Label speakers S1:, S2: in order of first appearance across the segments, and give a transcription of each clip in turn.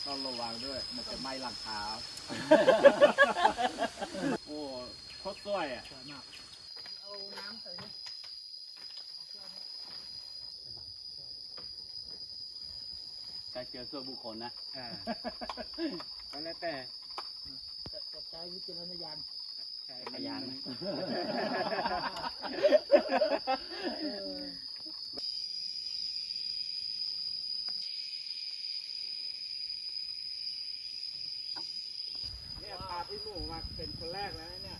S1: ต้องระวังด้วยมันจะไหม้หลังเท้าโอ้โคตรสวยอ่ะ
S2: เอาน้ำใส่นี่
S1: การเจอส่วนบุคคลนะก็แล้วแต่
S2: ใช้วิจารณญาณ
S1: ใช่พยานเนี่ยพาพี่หมูมาเป็นคนแรกแล้วเนี่ย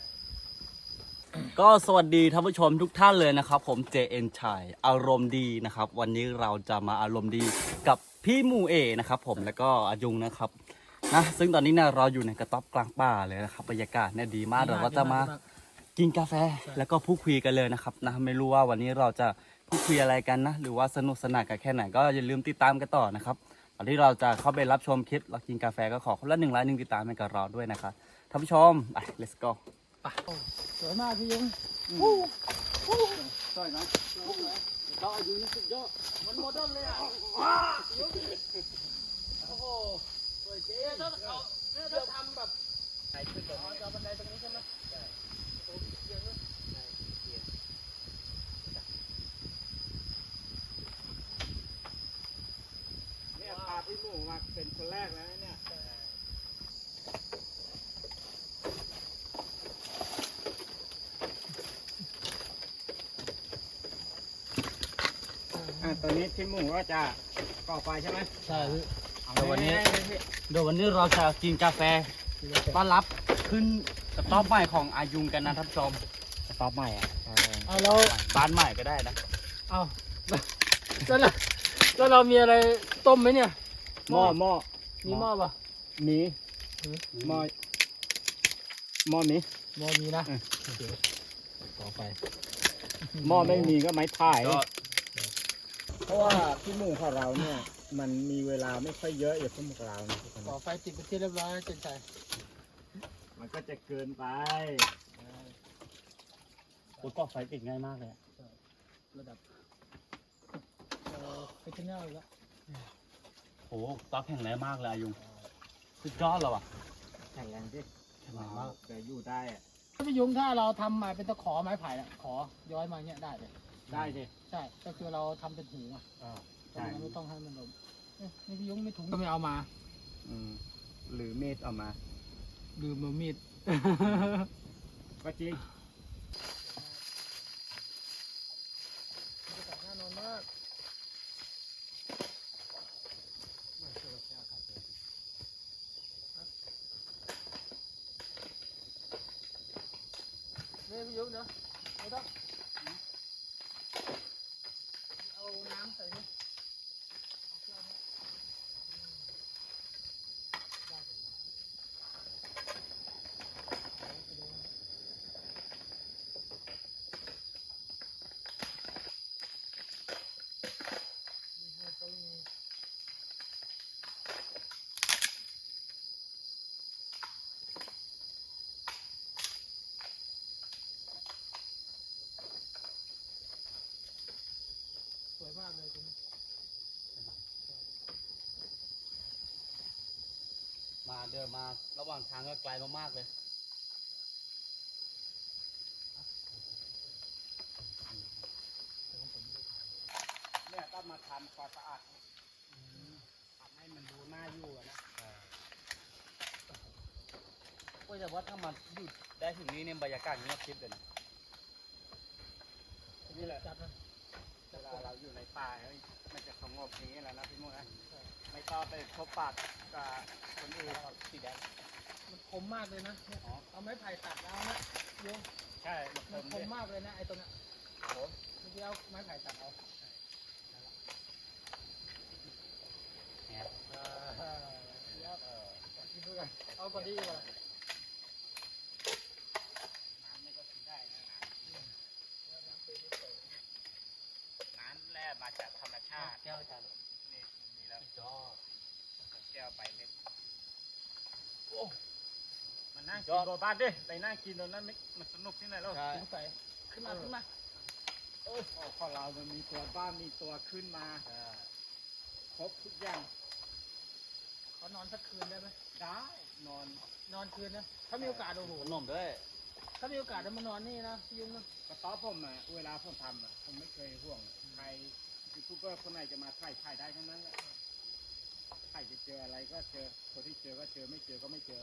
S1: ก็สวัสดีท่านผู้ชมทุกท่านเลยนะครับผม JN ชัยอารมณ์ดีนะครับวันนี้เราจะมาอารมณ์ดีกับพี่หมูเอนะครับผมแล้วก็อายุงนะครับนะซึ่งตอนนี้เนี่ยเราอยู่ในกระต๊อบกลางป่าเลยนะครับบรรยากาศเนี่ยดีมากเราก็จะมากินกาแฟแล้วก็พูดคุยกันเลยนะครับนะไม่รู้ว่าวันนี้เราจะพูดคุยอะไรกันนะหรือว่าสนุกสนานกันแค่ไหนก็อย่าลืมติดตามกันต่อนะครับตอนที่เราจะเข้าไปรับชมคลิปเรากินกาแฟก็ขอคนละ1 ไลค์ 1 ติดตามให้กับเราด้วยนะครับท่านผู้ชมไป let's go
S2: สวยมากพี่ยุง
S1: สวยไหมดอกอายุนี่สุดยอดมันโมเดิร์นเลยอ่ะ
S2: โอ้โหสวยจริงถ้าทำแบบไหนขึ้นแบบนี้จะบันไดตรงนี้ใช่ไหมใช่โอ้เกียร์ด้วย
S1: เนี่ยพาพี่หมูมาเป็นคนแรกแล้วเนี่ยตอนนี้พี่หมูก็จะก่อไฟใช่ไหม
S2: ใช่
S1: เดี๋ยววัน
S2: นี้
S1: เราจะกินกาแฟต้อนรับขึ้นกระต๊อบใหม่ของอายุงกันนะท่านผู้ชมกระต๊อบใหม่อ่ะ
S2: เอาแล้ว
S1: บ้านใหม่ก็ได้นะ
S2: เอาแล้วเรามีอะไรต้มไหมเนี่ย
S1: หม้อ
S2: มีหม้อป่ะ
S1: มีหม้อมี
S2: นะต่อไป
S1: หม้อไม่มีก็ไม้พายเพราะว่าพี่หมูของเราเนี่ยมันมีเวลาไม่ค่อยเยอะอย่างพวกเราเนี่ย
S2: ต่อไฟติดไปที่เรียบร้อยเจนใจ
S1: มันก็จะเกินไปตัวก่อไฟติดง่ายมากเลย
S2: ระดับไปที่แนวแล้ว
S1: โอ้ต๊อกแข็งแรงมากเลยอายุงสุดยอดเลยว่ะแข็งแรงดิแข็งแรงมากแต่อยู่ได้อะ
S2: พี่ยุงถ้าเราทำมาเป็นตะขอไม้ไผ่ละขอย้อยมาเนี้ยได้เลย
S1: ได้สิ
S2: ใช่ก็คือเราทำเป็นหูอ่ะ
S1: ใช่
S2: ไม่ต้องให้มันลมนี่พี่ยุงไม่ถุงก็ไม่เอามา
S1: หรือมีดเอามา
S2: ลืมมามีด
S1: ก็จริง
S2: น่านอนมากนี่พี่ยุงเนาะไม่ต้องเอาน้ำใส่นี่สวยมากเลยตรงนี้
S1: มาเดินมาระหว่างทางก็ไกลมากๆเลยเนี่ยต้องมาทำความสะอาดทำให้มันดูน่าอยู่นะก็จะว่าถ้ามันอยู่ได้ถึงนี้เนี่ยบรรยากาศเงียบชิบเลยนะนี่แหละเวลาเราอยู่ในป่ามันจะสงบอย่างนี้แหละนะพี่มุ่งนะไม่ต้องไปพบปะกับคนอื่นสีแดง
S2: มันคมมากเลยนะเอาไม้ไผ่ตัดแล้วนะโยง
S1: ใช่
S2: มันคมมากเลยนะไอ้ตรงนี้เมื่อกี้เอาไม้ไผ่ตัดเอาเอาก่อนที่จะน้
S1: ำนี่ก็กินได้นะน้ำแร่มาจากธรรมชาติ
S2: แก้วจาน
S1: นี่มีแล้วจอแก้วไปเล็กโอ้มันนั่งกินบนบ้านดิไปนั่งกินตรงนั้นมันสนุกที่ไหนแล้ว
S2: ขึ้นมา
S1: ของเรามันมีตัวบ้านมีตัวขึ้นมาครบทุกอย่าง
S2: นอนสักคืนได้ไหม
S3: ได้นอน
S2: นอนคืนนะถ้ามีโอกาสโอ้โห
S1: ขนมด้วย
S2: ถ้ามีโอกาสจะมานอนนี่นะพี่ยุงนะ
S3: กระต๊อบผมอ่ะเวลาผมทำอ่ะผมไม่เคยห่วงใครยูทูบเบอร์คนไหนจะมาถ่ายได้ทั้งนั้นแหละใครจะเจออะไรก็เจอคนที่เจอก็เจอไม่เจอก็ไม่เจอ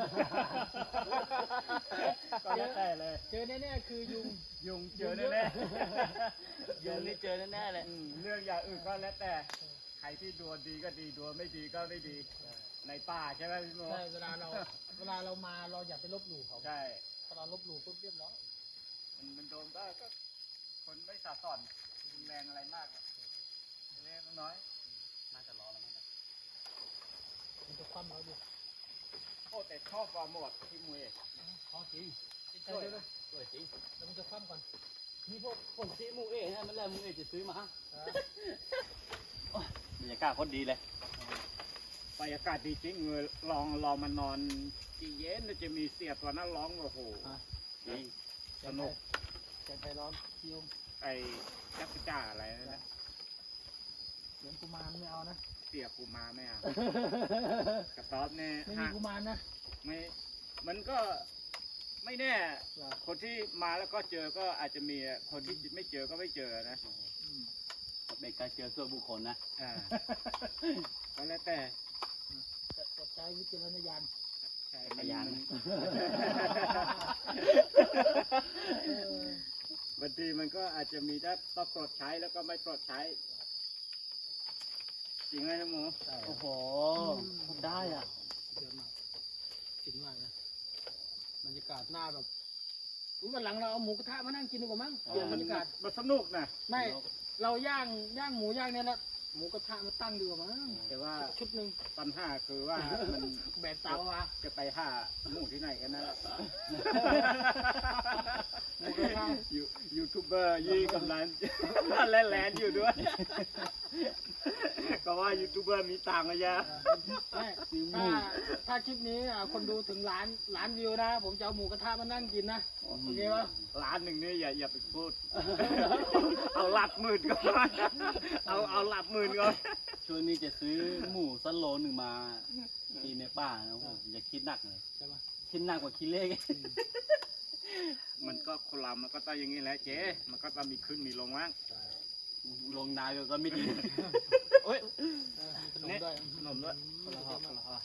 S3: ก็แล้วแต่เลย
S2: เจอแน่ๆคือยุง
S3: ยุงเจอแน่
S1: ยุงนี่เจอแน่ๆเลย
S3: ๆเรื่องอย่างอื่นก็แล้วแต่ใครที่ดวงดีก็ดีดวงไม่ดีก็ไม่ดี ในป่าใช่ไหมพี่โม
S2: ใช่เวลาเรามาเราอย่าไปลบหลู่เขา
S3: ใช่
S2: ถ้าเราลบหลู่ปุ๊บเรียบร้อย
S3: มันโดนก็คนไม่สะสอนรุนแรงอะไรมากหรอกเล็กๆน้อย
S1: น่าจะร้อนแล้วมั้งเนี่ย
S2: มันจะคว่ำเราดู
S3: ๆโอ้แต่ชอบวาหมดที่มวย
S2: พอจริงใช่เลย
S1: สวยจริง
S2: แล้วมันจะคว่ำก่อน
S1: นี่พวกผมซีหมูเอ๋นะมันแหละหมูเอ๋จะซื้อมาบรรยากาศโคตรดีเลย
S3: บรรยากาศดีจริงเงยลองมานอนที่เย็นแล้วจะมีเสียตัวนั้นร้องโอ้โห
S1: จริง
S3: สนุก
S2: แกงไทยร้อนพี่ยุง
S3: ไอ้จักรจ้าอะไรนั่นนะ
S2: เสียงกุมารไม่เอานะ
S3: เสียกูมาไหมอ่ะกระต๊อบเนี่ย
S2: ไม่มีกุมารนะ
S3: ไม่มันก็ไม่แน่ คนที่มาแล้วก็เจอก็อาจจะมีคนที่ไม่เจอก็ไม่เจอนะ
S1: เป็นการเจอส่วนบุคคลนะ
S3: อ่าก็แล้วแต่
S2: แต่ใช้วิจารณญาณ
S3: ใช่
S1: พยาน
S2: เออบ
S3: างทีมันก็อาจจะมีถ้าต้องปลดใช้แล้วก็ไม่ปลดใช้ จริงไหมนะหมู
S1: โอ้โหได้อ่ะ
S2: เยอะมากจริงมากนะบรรยากาศหน้าแบบอุ๊ยวันหลังเราเอาหมูกระทะมานั่งกินดีกว่ามั้งเปลี่ยนบรรยากาศ
S3: มันสนุกนะ
S2: ไม่เราย่างหมูย่างเนี่ยแล้วหมูกระทะมาตั้งดีกว่ามั้ง
S3: แต่ว่า
S2: ชุดหนึ่ง
S3: ปัญหาคือว่ามัน
S2: แบกเตามา
S3: จะไปหาหมูที่ไหนกันนะ
S2: หมูกระทะ
S3: ยูทูบเบอร์ยี่กำลัง แลนอยู่ด้วย ก็ว่ายูทูบเบอร์มีตังค์อะยะ
S2: ไม่ถ้าคลิปนี้คนดูถึงล้านวิวนะ ผมจะเอาหมูกระทะมานั่งกินนะโอเคปะ
S3: ร้านหนึ่งนี่อย่าไปพูด เอาหลักหมื่นก่อนเอาหลักหมื่นก่อน
S1: ช่วงนี้จะซื้อหมูสักโลหนึ่งมากินในป่านะผมอย่าคิดหนักเลย
S2: ใช่ปะ
S1: คิดหนักกว่าคิดเลข
S3: มันก็คนเรามันก็ต้องอย่างนี้แหละเจ๊มันก็ต้องมีขึ้นมีลงบ้าง
S1: ลงนาก็ไม่ดีโอ้ย
S2: มีขนมด้วย
S3: ขนมด้วย
S1: คนละห่อคนละห่อ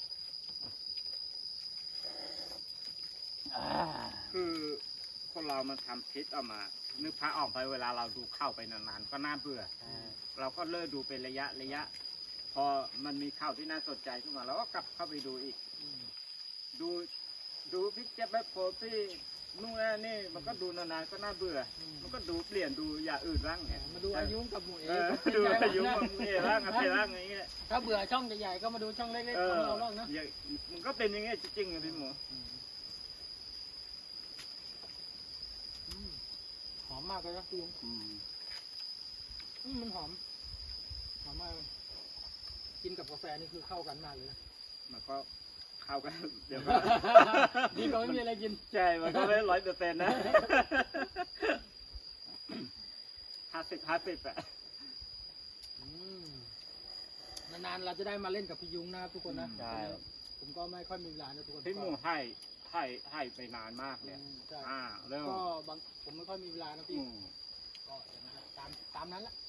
S3: คือคนเรามันทำคลิปออกมา นึกพระออกไปเวลาเราดูเข้าไปนานๆก็น่าเบื่อ เราก็เลิกดูเป็นระยะ พอมันมีข่าวที่น่าสนใจขึ้นมาเราก็กลับเข้าไปดูอีก ดูพิกเจ็บแบบโพสที่นู่นนั่นนี่มันก็ดูนานๆก็น่าเบื่อ มันก็ดูเปลี่ยนดูอย่างอื่นบ้างไง
S2: มาดูอายุกับหมูเอ๋
S3: ดูอายุมันเอ๋บ้างอะไรบ้างอย่างเงี้ย
S2: ถ้าเบื่อช่องใหญ่ๆก็มาดูช่องเล็กๆของเราบ้างนะ
S3: มันก็เป็นอย่างเงี้ยจริงๆอะพี่หมู
S2: หอมมากเลยนะพี่ยุงมันหอมมากกินกับกาแฟนี่คือเข้ากันมากเลย
S3: มันก็เข้ากันเดี๋ยวก็
S2: ดีกว่าไม่มีอะไรกิน
S3: ใช่มันก็ไม่100%นะ50 อะ
S2: นานๆเราจะได้มาเล่นกับพี่ยุงนะครับทุกคนนะ
S1: ใช่
S2: ผมก็ไม่ค่อยมีเวลานะทุกคน
S3: พี่หมูให้ไปนานมากเลย
S2: ใช่
S3: เริ่ม
S2: ก็บางผมไม่ค่อยมีเวลานะพี่ก็อย่างนั้นตามนั้นละ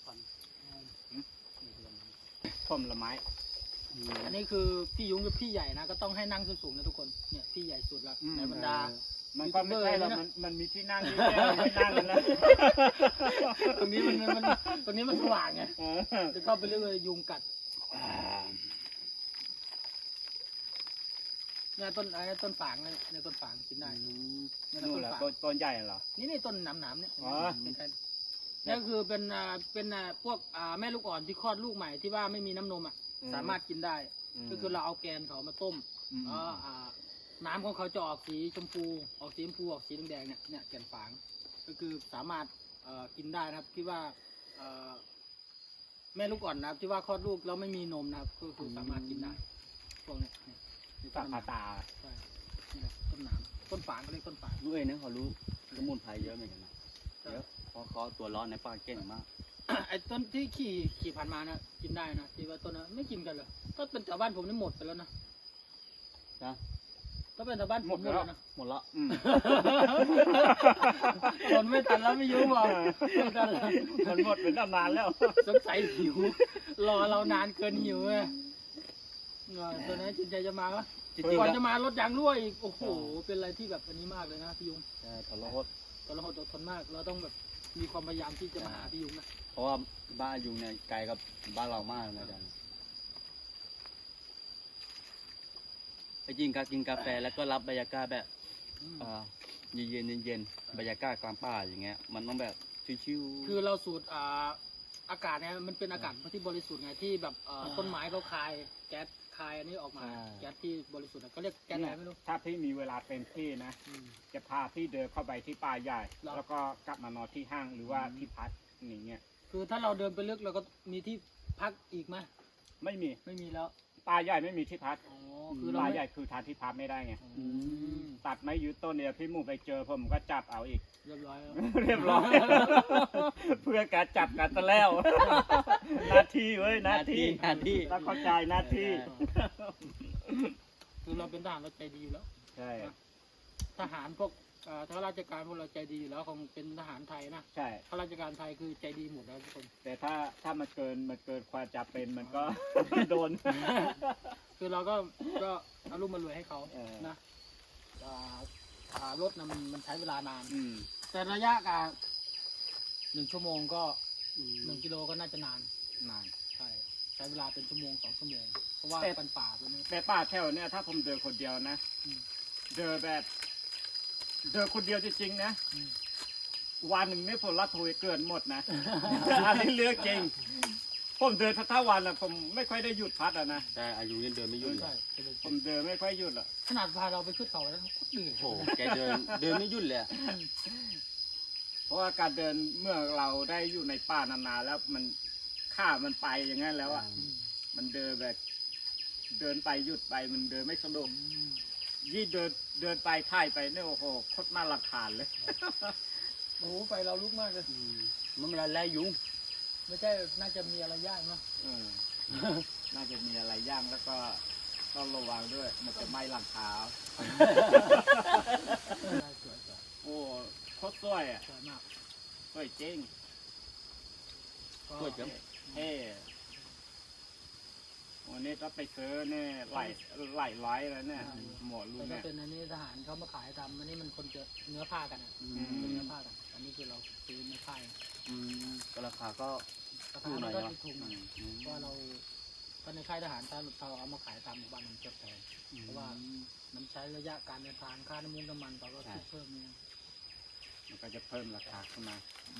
S3: ผมละไม้
S2: อันนี้คือพี่ยุงกับพี่ใหญ่นะก็ต้องให้นั่งสูงๆนะทุกคนเนี่ยพี่ใหญ่สุดละในบรรดา
S3: มันก็ไม่ใช่หรอกมันมีที่นั่งที่แค่ไม่นั่งกันแล้ว
S2: ตรงนี้ตรงนี้มันสว่างไงจะเข้าไปเรื่อยๆยุงกัดเนี่ยต้นฝางเนี่ยต้นฝางกินได้เนี่ย
S3: นู่
S2: ต้
S3: น
S2: น
S3: แหละ
S2: ฝาง
S3: ต้นใหญ่เหรอ
S2: นี่ต้นหนามๆเนี่ย
S3: อ๋อ
S2: นี่คือเป็นพวกแม่ลูกอ่อนที่คลอดลูกใหม่ที่ว่าไม่มีน้ำนมสามารถกินได้ ก็คือเราเอาแกนเขามาต้มน้ำของเขาจะออกสีชมพูออกสีแดงเนี่ยแกนฝางก็คือสามารถกินได้นะครับที่ว่าแม่ลูกอ่อนนะครับที่ว่าคลอดลูกแล้วไม่มีนมนะครับก็คือสามารถกินได้พวกเนี้ย
S3: ตาตา
S2: ใช่นี่แหละต้นหนามต้นฝางเขาเรียกต้นฝาง
S1: รู้เองนะเขารู้สมุนไพรเยอะเหมือนกันนะเยอะเพราะเขาตัวร้อนในป่าเก่งมาก
S2: ไอ้ต้นที่ขี่ผ่านมานะกินได้นะที่ว่าต้นนั้นไม่กินกันเลยถ้าเป็นแถวบ้านผมนี่หมดไปแล้วนะ
S1: นะ
S2: ถ้าเป็นแถวบ้านผมหมดแล้วนะ
S1: หมดละ
S2: คนไม่ทันแล้วไม่ยุ่งหรอกไม่ทันแล้ว
S3: มันหมดเป็นนานแล้ว
S2: สงสัยหิว รอเรานานเกินหิวเลยตัวนี้จินใจจะมาปะ
S1: จริง
S2: ก่อน
S1: ๆ
S2: จะมารถยางรั่วอีกโอ้โหเป็นอะไรที่แบบอันนี้มากเลยนะพี่ยุง
S1: ใช่ทรหด
S2: ตอนเราอดทนมาก เราต้องแบบมีความพยายามที่จะมาหาพี่ยุงนะ
S1: เพราะว่าบ้านยุงเนี่ยไกลกับบ้านเรามากนะอาจารย์ไปกินกาแฟแล้วก็รับบรรยากาศแบบเย็นบรรยากาศกลางป่าอย่างเงี้ยมันต้องแบบชิวๆ
S2: คือเราสูดอากาศเนี่ยมันเป็นอากาศที่บริสุทธิ์ไงที่แบบต้นไม้เขาคายแก๊สคายอันนี้ออกมา
S1: ใช่
S2: แก๊สที่บริสุทธิ์อะก็เรียกแก๊สอะไรไม่รู้
S3: ถ้าพี่มีเวลาเต็มที่นะ
S2: อืม
S3: จะพาพี่เดินเข้าไปที่ป่าใหญ่
S2: หรอ
S3: แล้วก็กลับมานอนที่ห้างหรือว่าที่พักอย่างเงี้ย
S2: คือถ้าเราเดินไปลึกเราก็มีที่พักอีกไหม
S3: ไม่มี
S2: ไม่มีแล้ว
S3: ป่าใหญ่ไม่มีที่พัก
S2: อ๋อคือเรา
S3: ป่า
S2: ไม่
S3: ใหญ่คือทางที่พักไม่ได้ไง
S2: อืม
S3: ตัดไม้ยืดต้นเนี่ยพี่หมูไปเจอผมก็จับเอาอีก
S2: เรียบร้อยแล้ว
S3: เรียบร้อย เพื่อการจับกันซะแล้ว หน้าที่เว้ยหน้าที่
S1: หน้าที่
S3: ต้องเข้าใจหน้าที่
S2: คือเราเป็นทหารเราใจดีอยู่แล้ว
S3: ใช่
S2: ทหารพวกข้าราชการพวกเราใจดีอยู่แล้วคงเป็นทหารไทยนะ
S3: ใช่
S2: ข้าราชการไทยคือใจดีหมดแล้วทุกคน
S3: แต่ถ้ามันเกินความจะเป็นมันก็ โดน
S2: คือเราก็เอารุ่มมารวยให้เขา
S3: เออ
S2: นะรถนะมันใช้เวลานาน
S3: อืม
S2: แต่ระยะการ1 ชั่วโมงก็1 กิโลก็น่าจะนาน
S3: นาน
S2: ใช้เวลาเป็นชั่วโมง2 ชั่วโมง เพราะว่า
S3: แต่
S2: เป็นป่าตัวนี้
S3: แต่ป่าแถวเนี่ยถ้าผมเดินคนเดียวนะ
S2: อืม
S3: เดินแบบเดินคนเดียวจริงๆนะ
S2: อืม
S3: วันหนึ่งนี่ผมละทุยเกินหมดนะ อันนี้เรื่องจริง ผมเดินทั้งวันอะผมไม่ค่อยได้หยุดพักอะนะ
S1: แต่อายุยังเดินไม่หยุดเล
S2: ใช่
S1: ย
S2: เป็นเลย
S3: ผมเดินไม่ค่อยหยุดหรอก
S2: ขนาดพาเราไปขึ้นเขาแล้วก็เหนื่อย
S1: โอ้โหแกเดินไม่หยุดเลยอะ
S3: เพราะว่าการเดินเมื่อเราได้อยู่ในป่านานๆแล้วมันข้ามันไปอย่างนั้นแล้วอะ
S2: อืม
S3: มันเดินแบบเดินไปหยุดไปมันเดินไม่สะดวก
S2: อืม
S3: ยี่เดินไปถ่ายไปเนี่ยโอ้โหโคตรน่ารำคาญเลย
S2: โอ้โหไฟเราลุกมากเลย
S1: มันเป็นอะไรยุง
S2: ไม่ใช่น่าจะมีอะไรย่างเนาะ
S3: เออ น่าจะมีอะไรย่างแล้วก็ต้องระวังด้วย มันจะไหม้หลังคา
S2: สวย
S3: โอ้โคตรสวยอ่ะ
S2: สวยมาก
S3: สวยจริง
S1: สวยจัง
S3: เท่วันนี้ก็ไปซื้อเนี่ยหลายร้อยแล้วเนี่ย หมดรุ่
S2: แต่
S3: น
S2: ถ้า
S3: เนี่ย
S2: เป็นอันนี้ทหารเขามาขายทำอันนี้มันคนจะเนื้อผ้ากันอ่ะ
S1: อื
S2: เป็น
S1: ม
S2: เนื้อผ้ากันอันนี้คือเราซื้อเนื้อผ้า
S1: ก็ราคาก็
S2: รา
S1: ถู
S2: คาก
S1: หน่
S2: มั
S1: อน ย
S2: ก็
S1: เนาะ
S2: จะถูกหน่อยเพราะว่าเราถ้าในค่ายทหารถ้าเราเอามาขายตามหมู่บ้านมันจะแพงเพราะว่ามันใช้ระยะการเดินทางค่าน้ำมันน้ำมันเราก็คิดเพิ่มเนี่ย
S3: มันก็จะเพิ่มราคาขึ้นมา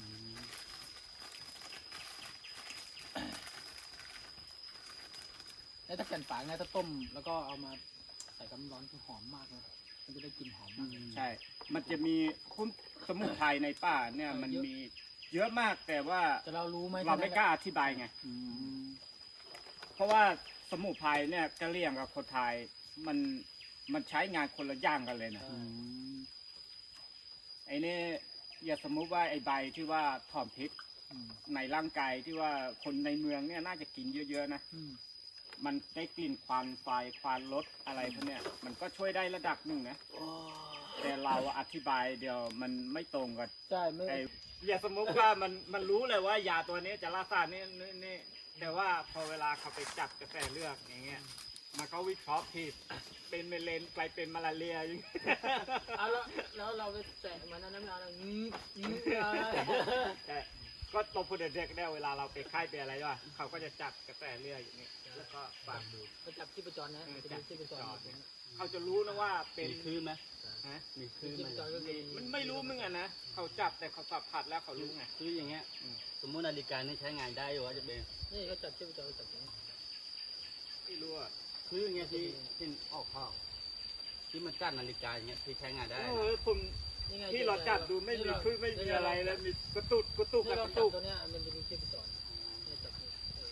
S2: แล้วถ้าแก่นฝางเนี่ยถ้าต้มแล้วก็เอามาใส่กำร้อนคือหอมมากเลยมันจะได้กลิ่นหอมมาก
S3: ใช่ มันจะมีคุ้มสมุนไพรในป่าเนี่ยมันมีเยอะมากแต่ว่า
S2: แต่เรารู้ไหม
S3: เราไม่กล้าอธิบายไง เพราะว่าสมุนไพรเนี่ยกะเหรี่ยงกับคนไทยมันใช้งานคนละอย่างกันเลยนะไอ้นี่อย่าสมมุติว่าไอ้ใบที่ว่าถอนพิษในร่างกายที่ว่าคนในเมืองเนี่ยน่าจะกินเยอะๆนะ มันได้กลิ่นควันไฟควันรถอะไรพวกเนี้ยมันก็ช่วยได้ระดับหนึ่งนะแต่เราอธิบายเดียวมันไม่ตรงกัน
S2: ใช่ไม่
S3: ไอ้อย่าสมมติว่ามันรู้เลยว่ายาตัวนี้จะรักษานี่แต่ว่าพอเวลาเขาไปจับกระแสเลือดอย่างเงี้ยมันก็วิเคราะห์ผิดเป็นเมลนกลายเป็นมาลาเรียอย่างเงี้ย
S2: เอาแล้วเราไปแตะมันนั้นน้ำแล้ว
S3: แต่ก็ตบผู้เด็กๆได้เวลาเราไปค่ายไปอะไรวะเขาก็จะจับกระแสเลือดอย่างนี้แล้วก็ฟังดู
S2: ไปจับที่ประจรนะจะมีที่ประจร
S3: เขาจะรู้นะว่าเป็น
S1: มีคลื่นไหม
S3: ฮะ
S1: มีคลื่น
S2: ที่
S1: ไหม
S2: ประจรก็คือ
S3: มันไม่รู้มึงอ่ะนะเขาจับแต่เขาสัมผัสแล้วเขารู้ไง
S1: คืออย่างเงี้ยสมมตินาฬิกานี่ใช้งานได้อยู่ว่าจะเป็น
S2: นี่ก็จับที่ประจรก็จับอย่างนี้
S3: ไม่รู้อ่ะ
S1: คืออย่างเงี้ยที่ออกข้าวที่มันกั้นนาฬิกาอย่างเงี้ยที่ใช้งานได้
S3: โอ้
S1: นะ
S3: ยผมที่เราจับดูไม่มีคลื่นไม่มีอะไรแล้วมีกระตุกกระตุก
S2: ที่
S3: ก
S2: เรา
S3: ระ
S2: จั
S3: ตุ
S2: บ
S3: ก
S2: ตัวเนี้ยมันจะมีที่ประจรจับ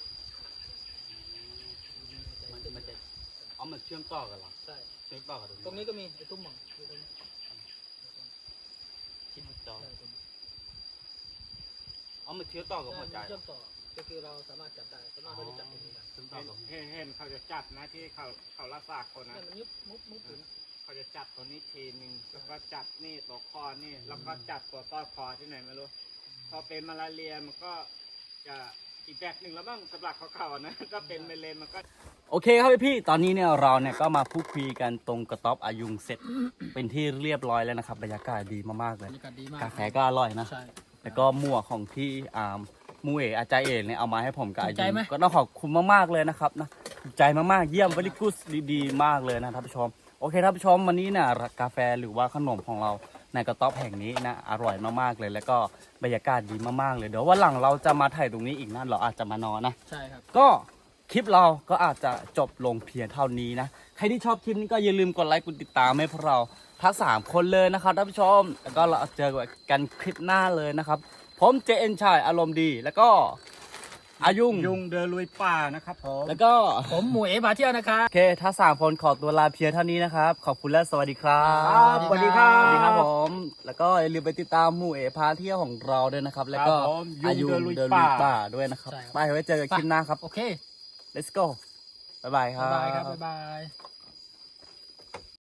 S1: มันจะเอามันเชื่อมต่อกันเหรอ
S2: ใช่
S1: เชื่อมต่อกัน
S2: ตรงนี้ก็มีไอ้ตุ้มหม่องอยู่ตรงนี้
S1: ที่จอเอามาเชื้อต่อกับหัวใจ
S2: เชื่อมต่อก็คือเราสามารถจับได้สามารถเราจะจับตรงนี้ได้
S1: เชื่อมต่อกับ
S3: เห็นเขาจะจับนะที่เขารักษาคนนะ
S2: เนี่ยมันยุบมุบอยู่นะ
S3: เขาจะจับตัวนี้ทีหนึ่งแล้วก็จับนี่ตัวคอนี่แล้วก็จับตัวต้อคอที่ไหนไม่รู้พอเป็นมาลาเรียมันก็จะอีกแบบหนึ่งแล้วบ้างสำหรับเขาๆนะถ้าเป็นเมเลนมันก็
S1: โอเคครับพี่ตอนนี้เนี่ยเราเนี่ยก็มาพูดคุยกันตรงกระต๊อบอายุงเสร็จ เป็นที่เรียบร้อยแล้วนะครับบรรยากาศดีมากๆเล
S2: บร
S1: ย
S2: รยากาศดีมาก
S1: กาแฟก็อร่อยนะ
S2: ใช่
S1: แล้วก็หมวกของที่มูเออาจารย์เอกเนี่ยเอามาให้ผมกับอา
S2: ถูกใจ
S1: ยุ
S2: ไหม
S1: ก็ต้องขอบคุณมากๆเลยนะครับนะถูกใจมากๆเยี่ยมว e ริกุสดีๆมากเลยนะท่านผู้ชมโอเคท่านผู้ชมวันนี้เนี่ยกาแฟหรือว่าขนมของเราในกระต๊อบแห่งนี้นะอร่อยมากๆเลย แล้วก็บรรยากาศดีมากๆเลยเดี๋ยววันหลังเราจะมาถ่ายตรงนี้อีกนะเราอาจจะมานอนนะ
S2: ใช่ครับ
S1: ก็คลิปเราก็อาจจะจบลงเพียงเท่านี้นะ ใครที่ชอบคลิปนี้ก็อย่าลืมกดไลค์กดติดตามให้พวกเราทั้ง3คนเลยนะครับท่านผู้ชม แล้วก็เราเจอกันคลิปหน้าเลยนะครับ ผมเจเอ็นชายอารมณ์ดี แล้วก็อายุง
S3: ยุงเดินลุยป่านะครับผม
S1: แล้วก็
S2: ผมหมูเอ๋พาเที่ยวนะครับ
S1: โอเคถ้า3คนขอตัวลาเพียงเท่านี้นะครับ ขอบคุณและสวัสดีครับ
S2: สวัสดีครับ
S1: สวัสดีครับผม แล้วก็อย่าลืมไปติดตามหมู่เอพาเที่ยวของเราด้วยนะครับ แล้วก็
S3: ครับผม
S1: อายุ
S3: ยุงเดินลุย
S1: เดินลุย
S3: ป่า
S1: ป่าด้วยนะครับ
S2: ใช่ครับ
S1: ไปไว้เจอกันคลิปหน้าครับ
S2: โอเค
S1: let's go บ๊ายบายครับ
S2: ๊ายบายครับ บ๊ายบาย